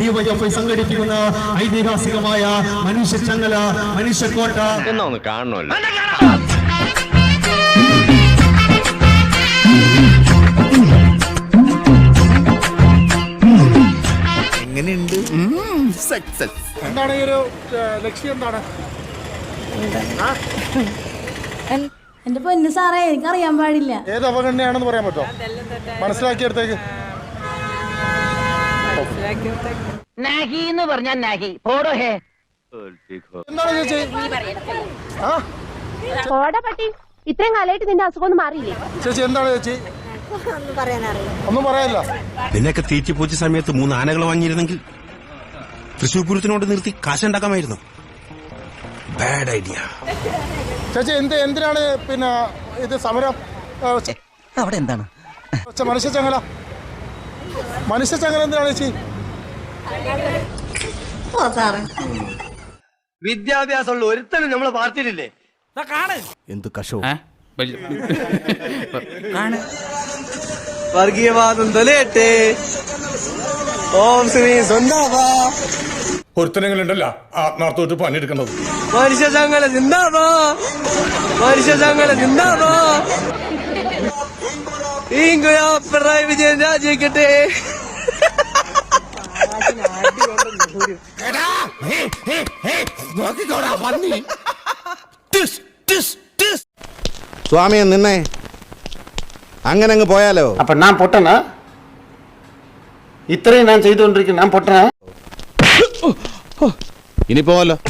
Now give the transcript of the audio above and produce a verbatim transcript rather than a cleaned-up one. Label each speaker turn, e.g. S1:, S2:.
S1: DYFI സംഘടിപ്പിക്കുന്ന ഐതിഹാസികമായ മനുഷ്യ ചങ്ങല മനുഷ്യക്കോട്ട
S2: എന്നൊന്ന് കാണണമല്ലോ.
S3: എങ്ങനെയുണ്ട്? സക്സസ്.
S4: എന്താണ് ഈ ഒരു ലക്ഷ്യം? എന്താണ്
S5: എന്റെ പൊന്നു സാറേ, എനിക്ക് അറിയാൻ പാടില്ല.
S4: ഏത് അപകടനെയാണെന്ന് പറയാൻ പറ്റുമോ? മനസ്സിലാക്കിയെടുത്തേക്ക്. എന്താണ് ചേച്ചി?
S6: ഇത്രയും കാലമായിട്ട് നിന്റെ അസുഖം ഒന്നും മാറിയില്ലേ?
S4: ചേച്ചി എന്താണ് ചേച്ചി? ഒന്നും പറയാനില്ല.
S7: നിന്നെയൊക്കെ തീറ്റിപ്പോച്ച സമയത്ത് മൂന്ന് ആനകൾ വാങ്ങിയിരുന്നെങ്കിൽ തൃശ്ശൂർ പൂരത്തിനോട് നിർത്തി കാശുണ്ടാക്കാമായിരുന്നു. Bad idea.
S4: ചേച്ചി എന്ത് എന്തിനാണ് പിന്നെ ഇത് സമരം?
S3: അവിടെ എന്താണ്
S4: മനുഷ്യ ചങ്ങല മനുഷ്യ ചങ്ങല എന്തിനാണ് ചേച്ചി?
S2: വിദ്യാഭ്യാസമുള്ള ഒരുത്തനും നമ്മളെ പാർട്ടിയിലില്ലേ?
S3: എന്ത് കഷോ
S2: വർഗീയവാദം തൊലയട്ടെ. ഓം ശ്രീ സ്വന്താവാ.
S4: ഒരുത്തനെങ്കിലുണ്ടല്ല ആത്മാർത്ഥമായിട്ട് പണിയെടുക്കുന്നത്.
S2: മനുഷ്യ ചങ്ങല ചിന്താവാ, മനുഷ്യ ചങ്ങല ചിന്താവാ. പിണറായി വിജയൻ രാജിക്കട്ടെ.
S8: സ്വാമിയെ നിന്നെ അങ്ങനെ അങ്ങ് പോയാലോ?
S9: അപ്പൊ ഞാൻ പൊട്ടനാ? ഇത്രയും ഞാൻ ചെയ്തുകൊണ്ടിരിക്കുന്നു, ഞാൻ പൊട്ടനാ?
S8: ഇനി പോവല്ലോ.